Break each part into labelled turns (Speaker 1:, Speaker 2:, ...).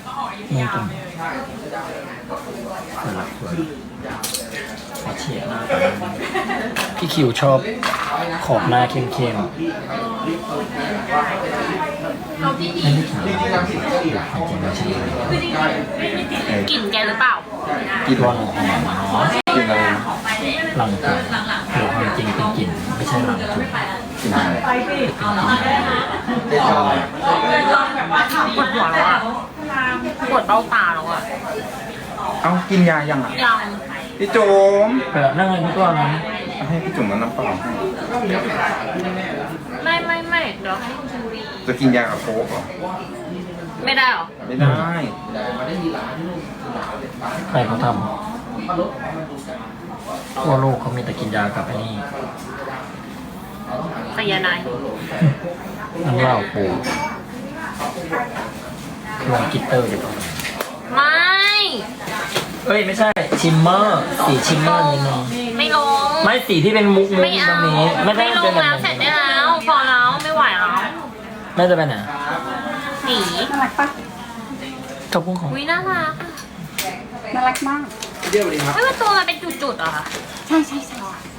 Speaker 1: นี่ตรงสลับสวยขอเฉียดหน้าตาพี่คิวชอบขอบหน้าเข้มๆไม่ได้ถามจริงๆใช่
Speaker 2: กลิ่นแกหรือเปล่า
Speaker 1: กินวันหอมเนาะกินอะไรหลังจุดหรือความจริงเป็นกลิ่นไม่ใช่หลังจุดกลิ่นอะไร
Speaker 2: ปวดหัวแล้วอ่ะปวดเบ้าตาแล้วอ่ะ
Speaker 3: เอากินยายังอ่ะ
Speaker 2: ยัง
Speaker 3: พี่จุ๋ม
Speaker 1: แบบนั่งเลยทุกตัวนะ
Speaker 3: ให้พี่จุ๋มแล้วน้ำเปล่าให้
Speaker 2: ไม่เดี๋ยวให้คุณรี
Speaker 3: จะกินยากับโค้กเหรอ
Speaker 2: ไม่ได้หรอ
Speaker 3: ไม่ได้
Speaker 1: ใครเขาทำทั่วโลกเขามีแต่กินยากับไอ้นี่
Speaker 2: ไซยาไนด์
Speaker 1: น้ำเหล้าปูลงกิตเตอร์เดี๋ยวก่อน
Speaker 2: ไม่
Speaker 1: เอ้ยไม่ใช่ชิมเมอร์สีชิมเมอร์นิดนึง
Speaker 2: ไม่ลง
Speaker 1: ไม่สีที่เป็นมุก
Speaker 2: ไม่
Speaker 1: ตร
Speaker 2: เอา
Speaker 1: งนี้ไม่ได้
Speaker 2: ไม่ล
Speaker 1: เป็น
Speaker 2: ง
Speaker 1: แบบ
Speaker 2: แล้วเสร็จได้แล้วพอแล้วไม่ไหวแล้ว
Speaker 1: น่าจะเป็นไหน
Speaker 2: สี
Speaker 4: น่ารักปะ
Speaker 1: กระพุ้งของ
Speaker 2: วิน่ารัก
Speaker 4: น่ารักมาก
Speaker 2: ไม่ว่าตัวมันเป็นจุดๆเหรอคะ
Speaker 4: ใช่ใช่ใช่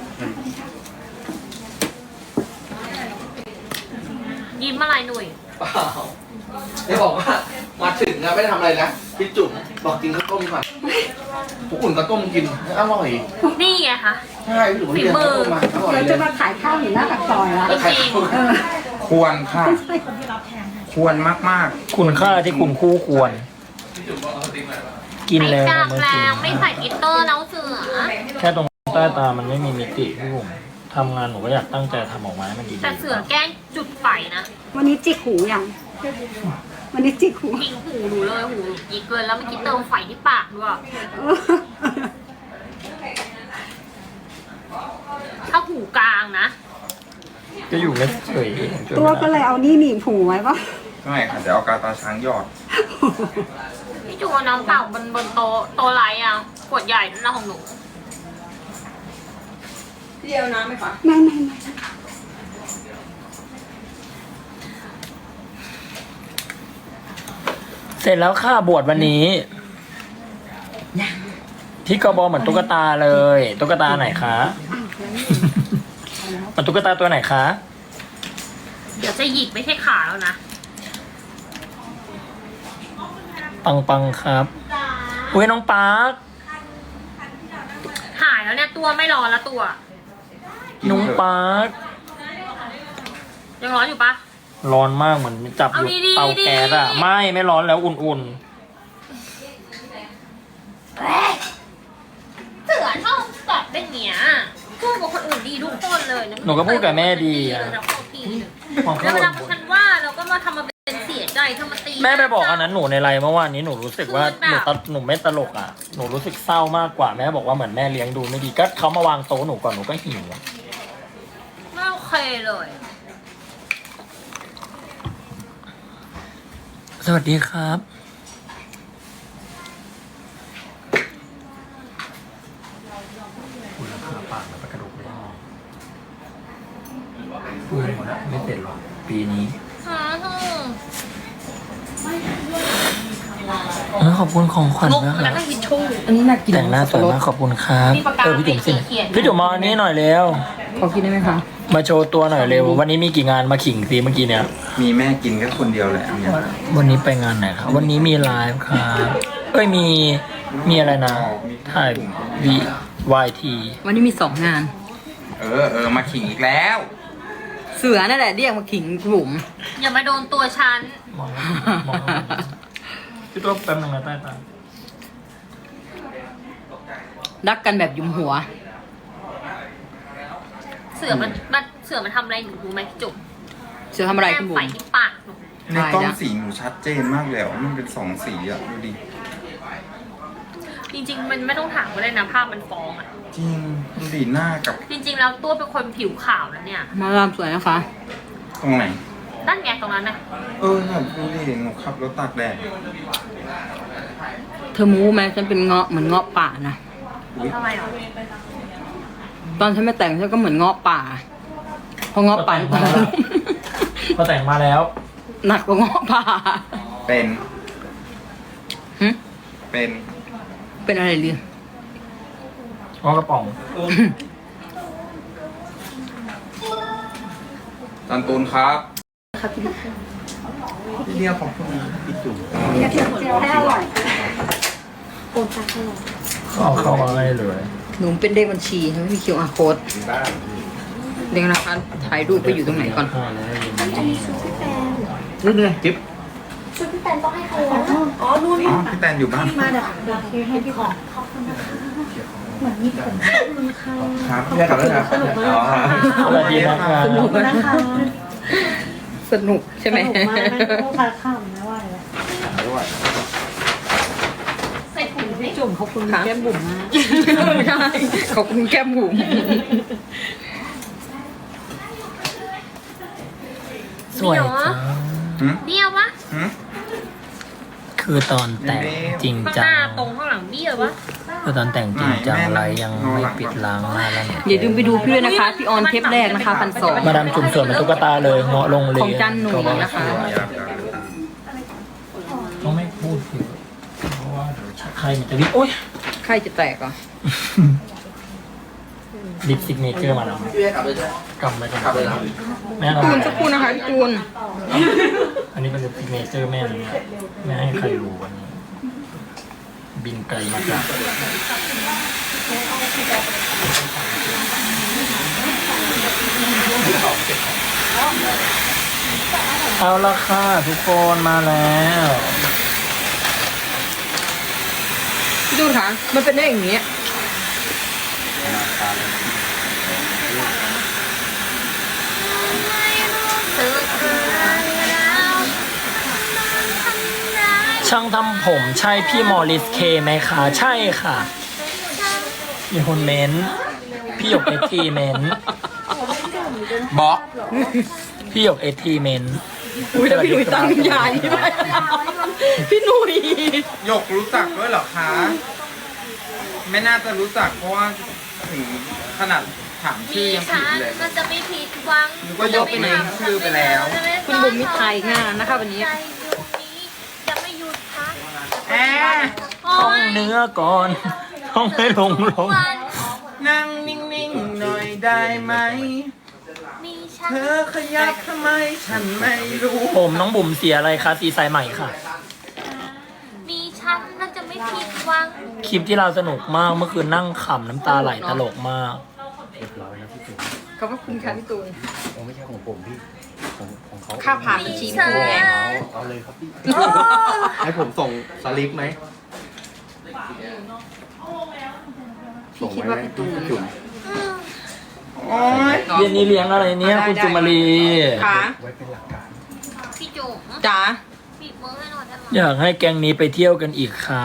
Speaker 2: ยิ้มอะไรหนุ่ย
Speaker 5: เปล่าได้บอกว่ามาถึงอะไม่ได้ทำอะไรนะพี่จุ๋มบอกกินข้าวต้มก่อนผมอุ่นข้าวต้มกินอร่อย
Speaker 2: นี่ไงคะ
Speaker 5: ใช่พี่จุ๋มเรียนข้าวต้มมาอร่อย
Speaker 4: เดี๋ยว
Speaker 5: เล
Speaker 4: จะ
Speaker 5: ย
Speaker 4: มาขายข้าวอยู่หน้าปากซอยแล้ว
Speaker 2: จริง
Speaker 4: เออ
Speaker 3: ควรค่ะ ควรมาก
Speaker 1: คุณค่าที่คุณคู่ควร กิน
Speaker 2: ไม่
Speaker 1: แล้ว
Speaker 2: จับ
Speaker 1: ไม่
Speaker 2: แล้
Speaker 1: กิน
Speaker 2: วไม่ใส่กลิตเตอร์แล้วเสือ
Speaker 1: แค่ตรงใต้ตามันไม่มีมิติพี่ผมทำงานหนูก็อยากตั้งใจทำออกมาให้มันดีๆ
Speaker 2: แต่เสือแกล้งจุดไฟนะ
Speaker 4: วันนี้จิกหูยังวันนี้จิกหู
Speaker 2: ยิงหูหนูเลยหูยิงเกินแล้วเมื่อกี้เติมไฟที่ปากด้วย
Speaker 4: เออ
Speaker 2: ถ้าหูกลางนะ
Speaker 1: ก็อยู่ไม่เฉย
Speaker 4: ตัวก็เลยเอานี่หนีบหูไว้ปะ
Speaker 3: ๆไม่ค่ะเดี๋ยวเอากาตาช้างหยอด
Speaker 2: พี่จูเอาน้ำเปล่าบนโต๊ะไรอ่ะขวดใหญ่นั่นนะของหนู
Speaker 4: ไม่
Speaker 1: เสร็จแล้วค่ะบวชวันนี้พี่กบเหมือนตุ๊กตาเลยตุ๊กตาไหนคะมันตุ๊กตาตัวไหนคะ
Speaker 2: เดี๋ยวจะหยิกไม่ใช่ขาแล้วนะ
Speaker 1: ปังครับอุ้ยน้องปาร์ค
Speaker 2: หายแล้วเนี่ยตัวไม่ร้อนแล้วตัว
Speaker 1: น้องปาร์ค
Speaker 2: ยังร้อนอยู่ปะ
Speaker 1: ร้อนมากเหมือนจับอยู่
Speaker 2: เอาดีๆ
Speaker 1: เตาแก๊สอะไม่ร้อนแล้วอุ่น
Speaker 2: เสือชอบแบบเป็นเนี้ยพูดกับคนอื่นดีทุกคนเลยะ
Speaker 1: ๆหนูก็พูดกับแม่ดีอะ
Speaker 2: แล้วก็ที
Speaker 1: ของ
Speaker 2: แล้ว
Speaker 1: เขา
Speaker 2: เวลาฉันว่าเราก็มาทำมาเป็นเสียใจเธอมาตี
Speaker 1: แม่ไปบอกอันนั้นหนูในไลน์เมื่อวานนี้หนูรู้สึกว่าหนูไม่ตลกอะหนูรู้สึกเศร้ามากกว่าแม่บอกว่าเหมือนแม่เลี้ยงดูไม่ดีก็เขามาวางโต๊ะหนูก่อนหนูก็หิวอะ
Speaker 2: ไม่โอเคเลย
Speaker 1: สวัสดีครับคุณราคาปากแล้วกระดูกไม่ได้พูดหมดแล้วไม่เสร็จหรอกปีนี้ขอบคุณของขวัญ
Speaker 2: งก
Speaker 1: นะค
Speaker 2: แล้ว
Speaker 1: รับ
Speaker 2: ก็ทิชชู่
Speaker 4: อันนี้น่ากิน
Speaker 1: แต่งหน้าสวยมากขอบคุณครับ
Speaker 2: มีปากกา
Speaker 1: พี่จุ๋มสิ
Speaker 2: เขียน
Speaker 1: พี่จุ๋มมาอันนี้หน่อยเร็ว
Speaker 4: ขอกินได้ไหมคะ
Speaker 1: มาโชว์ตัวหน่อยเร็ววันนี้มีกี่งานมาขิงสิเมื่อกี้เนี่ย
Speaker 3: มีแม่กินแค่คนเดียวแหละอันเนี้ย
Speaker 1: วันนี้ไปงานไหนครับวันนี้มีไลฟ์ครับเอ้ยมีอะไรนะถ่ายวีวายที
Speaker 6: วันนี้มี2 งาน
Speaker 3: มาขิงอีกแล้ว
Speaker 6: เสือนั่นแหละเรียกมาขิงบุ๋ม
Speaker 2: อย่ามาโดนตัวฉัน
Speaker 1: มองพี่ตัวแป๊บนึงนะใต้ตา
Speaker 6: รักกันแบบยุมหัว
Speaker 2: เสือมันทำอะไรหนูรู้ไหมพี่จุ๋ม
Speaker 6: เสือทำอะไรคุณบุ๋
Speaker 2: ไฟ
Speaker 6: ม
Speaker 2: ที่ปากหนู
Speaker 3: ในกล้องสีหนูชัดเจนมากเลยอ่ะมันเป็น2 สีอ่ะดูดิ
Speaker 2: จริงๆ มันไม่ต้องถามก็ได้นะภาพมันฟ้องอ่ะ
Speaker 3: จริงดูดิหน้ากับ
Speaker 2: จริง ๆ แล้วตัวเป็นคนผิวขาวแล้วเนี่ย
Speaker 6: มาลามสวยนะคะ
Speaker 3: ตรงไหน
Speaker 2: นั่นไงตรงนั้นน่ะ
Speaker 3: ค่ะดูดิหนูขับรถตากแดด
Speaker 6: เธอมูไหมฉันเป็นเงาะเหมือนเงาะป่านะ
Speaker 2: ทำไมอ่ะ
Speaker 6: ตอนฉันไม่แต่งฉันก็เหมือนเงาะป่าเพราะเงาะป่า
Speaker 1: พอแต่งมาแล้ว
Speaker 6: หนักกว่าเงาะป่า
Speaker 3: เป็น
Speaker 6: เป็นอะไรเรือ
Speaker 1: อ๋อกระป๋อง
Speaker 3: จันตูนครับ
Speaker 5: พี่เรียกของคุณพี่จุ๋ม
Speaker 4: กระเทียมเจียวให้อร่อย
Speaker 1: เอาเข้ามาให้เลย
Speaker 6: หนูเป็นเลขบัญชีไม่มี QR code เรียงนะคะถ่ายรูปไปอยู่ตรงไหนก่อน
Speaker 5: นี่ไงจิ๊บ
Speaker 3: อ๋อพี่แตนอยู่บ้าน
Speaker 5: ครับพี่กลับแล้วนะอ๋อ
Speaker 1: สวัสดีนะครับ
Speaker 6: สนุกนะคะสนุกใช่ไหม
Speaker 2: ใส่ถุงสิ
Speaker 4: จุ่มขอบคุณแก้มบุ๋มมาก
Speaker 6: ใช่ขอบคุณแก้มบุ๋ม
Speaker 1: สวยจัง
Speaker 2: เบี้ยวปะ
Speaker 3: หืม
Speaker 1: คือตอนแต่งจริง
Speaker 2: ข้างห
Speaker 1: จั
Speaker 2: น้าง ตรงข้างหลังเบี้ยวปะ
Speaker 1: คือตอนแต่งจริงจังไรยังไม่ปิดล้างหน้าแล้วเนี่ย
Speaker 6: อย่าลืมไปดูพี่ด้วยนะคะ พี่ออนเทปแรกนะคะ1,200
Speaker 1: มาดามจุ่มสวยเป็นตุ๊กตาเลยเงาะลงเลย
Speaker 6: ของจันหนุ่ยนะคะ
Speaker 1: ต้องไม่พูดถึงเพราะว่าเดี๋ยวใครมันจะวิโอ๊ย
Speaker 6: ใครจะแตกอ่ะ
Speaker 1: ลิปซิกเนเจอร์มาแล้ว
Speaker 5: พี่กลับเลยใช่ไหม
Speaker 1: กำไว้ก่อน
Speaker 5: กลับเลยนะ
Speaker 1: แม่เอา
Speaker 6: จูนสักครู่นะคะพี่จูน
Speaker 1: อันนี้เป็นลิปซิกเนเจอร์แม่เลยไม่ให้ใครรู้วันนี้ บินไกลมาจากเอาละค่ะทุกคนมาแล้ว
Speaker 6: พี่จูนคะมันเป็นได้อย่างนี้
Speaker 1: ช่างทำผมใช่พี่มอริสเคไหมคะ ใช่ค่ะ มีคนเม้นต์พี่หยกเอทีเม้นต์
Speaker 5: บล็อก
Speaker 1: พี่หยกเอทีเม้นต์
Speaker 6: อุ้ยแล้วพี่หนุ่ยตั้งใหญ่ไหมพี่หนุ่ย
Speaker 3: หยกรู้จักด้วยเหรอคะ ไม่น่าจะรู้จักเพราะว่าถึงขนาดถามชื่อยังผิดเลย
Speaker 2: มันจะไม่ผิดหวัง
Speaker 3: นึกว่ายกเป็นชื่อไปแล้ว
Speaker 6: คุณบุ๋มมิไทยงานนะคะวันนี้
Speaker 2: จะไม่หยุดพัก
Speaker 3: แอ
Speaker 1: ท่องเนื้อก่อนท่องให้ลง
Speaker 2: วัน
Speaker 3: นั่งนิ่งๆหน่อยได้ไหม
Speaker 2: มีฉัน
Speaker 3: เธอขยับทำไมฉันไม่รู้
Speaker 1: ผมน้องบุ๋มเสียอะไรคะสีสายใหม่ค่ะ
Speaker 2: มีฉันน่าจะไม่ผิดหวัง
Speaker 1: คลิปที่เราสนุกมากเมื่อคืนนั่งขำน้ำตาไหลตลกมาก
Speaker 6: ขอบพระคุณค่ะพี่ตูน
Speaker 5: ไม่ใช่ของผมพี่ของเขา
Speaker 6: ค่าผ่านบัญชีพี่ตูนไง
Speaker 5: เอาเลยครับพี่ ให้ผมส่งสลิปไหม
Speaker 6: พี่คิดว่าพี่ตูน
Speaker 5: จุ๋ม
Speaker 3: โอ๊ย
Speaker 1: เย็นนี้เลี้ยงอะไรเนี่ยคุณจุมารี
Speaker 6: ค่ะ
Speaker 5: ไว้เป็นหลักการ
Speaker 2: พี่จุ๋ม
Speaker 6: จ๋า
Speaker 2: ปิดมือให้หน่อยได้ไหม
Speaker 1: อยากให้แก๊งนี้ไปเที่ยวกันอีกค่ะ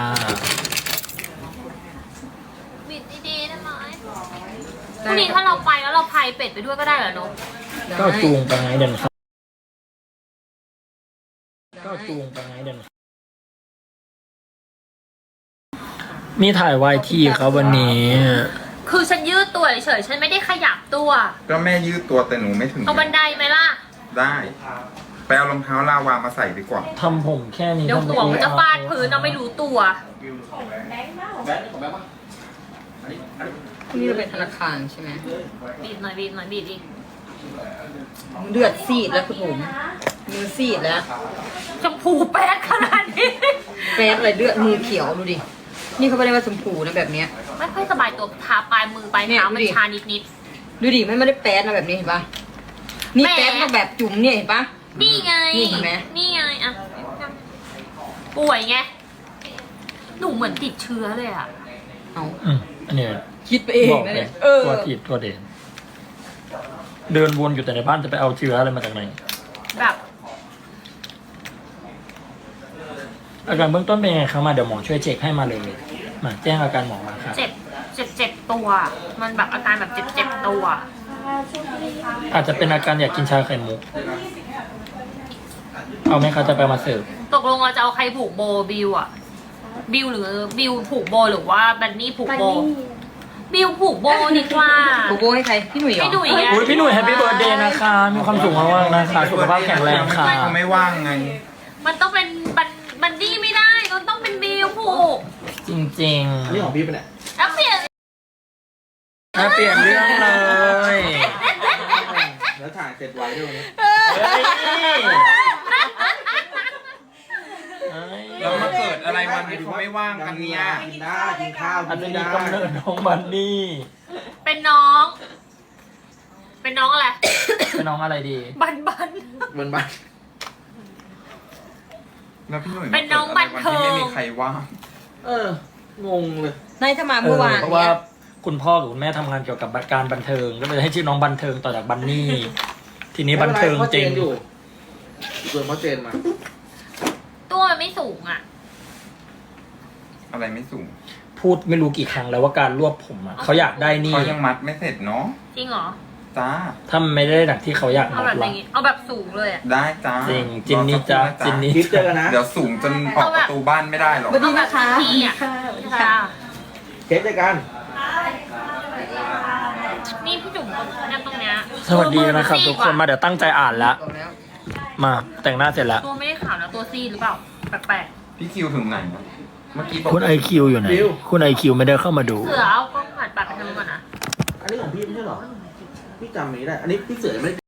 Speaker 2: ปิดดีๆได้ไหมพรุ่งนี้ถ้าเราไปแล้วเราพายเป็ดไปด้วยก็ได้เหรอนุ๊ก
Speaker 1: ก็จูงไปไงเดินครับก็จูงไปไงเดินครับมีถ่ายวายทีครับวันนี้
Speaker 2: คือฉันยืดตัวเฉยๆฉันไม่ได้ขยับตัว
Speaker 3: ก็แม่ยืดตัวแต่หนูไม่ถึง
Speaker 2: เอาบันไดไหมล่ะ
Speaker 3: ได้ ไปเอารองเท้าลาวามาใส่ดีกว่า
Speaker 1: ทำผมแค่นี้
Speaker 2: เดี๋ยว
Speaker 1: ทำไม
Speaker 2: หัวมันจะฟาดพื้นเราไม่รู้ตัว
Speaker 5: แบงค์ของแบงค์ปะ
Speaker 6: พรุ่งนี้เราไปธนาคารใช่ไหม
Speaker 2: บีบหน่อยบีบหน่อยบีบอีก
Speaker 6: เลือดซีดแล้วคุณผมมือซีดแล้ว
Speaker 2: ชมพูแป๊ดขนาดนี้
Speaker 6: แฟสอะไรเลือดมือเขียวดูดิ นี่เขาไม่ได้ว่าชมพูนะแบบเนี้ย
Speaker 2: ไม่ค่อยสบายตัวทาปลายมือปลายเท้ามันชานิด
Speaker 6: ดูดิไม่ได้แป๊ดนะแบบนี้เห็นปะนี่แป๊ดมาแบบจุ๋มเนี่ยเห็นปะ
Speaker 2: ๆนี่ไง
Speaker 6: นี่เห็นไหม
Speaker 2: นี่ไงอะป่วยไง หนูเหมือนติดเชื้อเลยอะ
Speaker 6: เอา
Speaker 1: อันนี้
Speaker 6: คิดไปเอง
Speaker 1: บอก
Speaker 6: นะ
Speaker 1: เล
Speaker 6: เนี่ย ยเออ
Speaker 1: ตัวผิดตัวเด่นเดินวนอยู่แต่ในบ้านจะไปเอาเชื้ออะไรมาจากไหน
Speaker 2: แบบ
Speaker 1: อาการเบื้องต้นเป็นยังไงครับมาเดี๋ยวหมอช่วยเช็คให้มาเลยมาแจ้งอาการหมอมาครับ
Speaker 2: เจ็บตัว มันแบบอาการแบบเจ็บตัว
Speaker 1: อาจจะเป็นอาการอยากกินชาไข่มุก เอาไหมครับจะไปมาเสิร์ฟ
Speaker 2: ตกลงเราจะเอาใครผูกโบบิวอะบิวหรือบิวผูกโบหรือว่าบันนี่ผูกโบ บิวผูกโบดีกว่า
Speaker 6: โกโก้ให้ใครพี่หนุ่ยเหรอ
Speaker 2: พี่หนุ่ยไง
Speaker 1: อุ้ยพี่หนุ่ยแฮปปี้เบิร์ดเดย์นะคะ มีความสุขมากๆนะคะ สุขภาพแข็งแรงค่ะ
Speaker 3: เขาไม่ว่างไง
Speaker 2: มันต้องเป็นบันนี่ไม่ได้มันต้องเป็นบิวผูก
Speaker 1: จริง
Speaker 5: อันนี้ของพี่เป็นไง
Speaker 2: แล้วเปลี่ยน
Speaker 1: ๆเปลี่ยนเรื่องเลย
Speaker 5: แล้วถ่ายเสร็จไว้ด้วยวันนี้
Speaker 1: เฮ้ย
Speaker 3: แล้วมาเกิดอะไรวันที่เขาไม่ว่างกันเนี่ย
Speaker 5: กินได้กินข้าว
Speaker 1: อัน
Speaker 5: กิน
Speaker 1: นี้
Speaker 5: ได้
Speaker 1: กำเนิดน้องบันนี่
Speaker 2: เป็นน้อง เป็นน้องอะไร
Speaker 1: เป็นน้องอะไรดี
Speaker 2: บัน
Speaker 5: เหมือนบ้าน
Speaker 3: แล้วพี่หนุ่ย
Speaker 2: เป็นน้องบันเทิง
Speaker 3: ที่ไม่มีใครว่าง
Speaker 5: งงเลย
Speaker 6: นายถ้ามาเมื่อวาน
Speaker 1: เพราะว่าคุณพ่อกับคุณแม่ทำงานเกี่ยวกับการบันเทิง ก็เลยให้ชื่อน้องบันเทิงต่อจากบันนี่ ทีนี้บันเทิงจริง
Speaker 5: อยู่ส่วนพ่อเจนมา
Speaker 2: ตัวมันไม่สูงอ่ะ
Speaker 3: อะไรไม่สูง
Speaker 1: พูดไม่รู้กี่ครั้งแล้วว่าการรวบผมอะเขาอยากได้นี่
Speaker 3: เขายังมัดไม่เสร็จเนาะ
Speaker 2: จริงเหรอ
Speaker 3: จ้า
Speaker 1: ถ้ามันไม่ได้ดังที่เขาอยาก
Speaker 2: เอา
Speaker 1: มัด
Speaker 2: แบบอ
Speaker 1: ละ
Speaker 2: ย่างงี้ เอาแบบสูงเลยอ่ะ
Speaker 3: ได้จ้า
Speaker 1: จริงจินนี่จ้าจินนี่
Speaker 5: คลิปเจอกันนะ
Speaker 3: เดี๋ยวสูงจนออกประตูบ้านไม่ได้หรอก
Speaker 4: สวัสดีนะคะ
Speaker 2: พี่อ่ะค่ะ
Speaker 5: เค้กเจอกัน
Speaker 2: นี่พี่จุ๋มนั่งตรงเนี้ย
Speaker 1: สวัสดีนะครับทุกคนมาเดี๋ยวตั้งใจอ่านละมาแต่งหน้าเสร็จแล้ว
Speaker 2: ตัวไม่ได้ขาวนะตัวซีดหรือเปล่า แปลก
Speaker 3: พี่คิวถึงไหนวะเมื่อกี้บอก
Speaker 1: คุณไอคิวอยู่ไหนคุณไอคิวไม่ได้เข้ามาดู
Speaker 2: ๆเสือเอากล้องผ่านปากไปทางนู้นก่อนนะ
Speaker 5: อันนี้ของพี่ไม่ใช่เหรอ พี่จำไม่ได้ อันนี้พี่เสือไม่ได้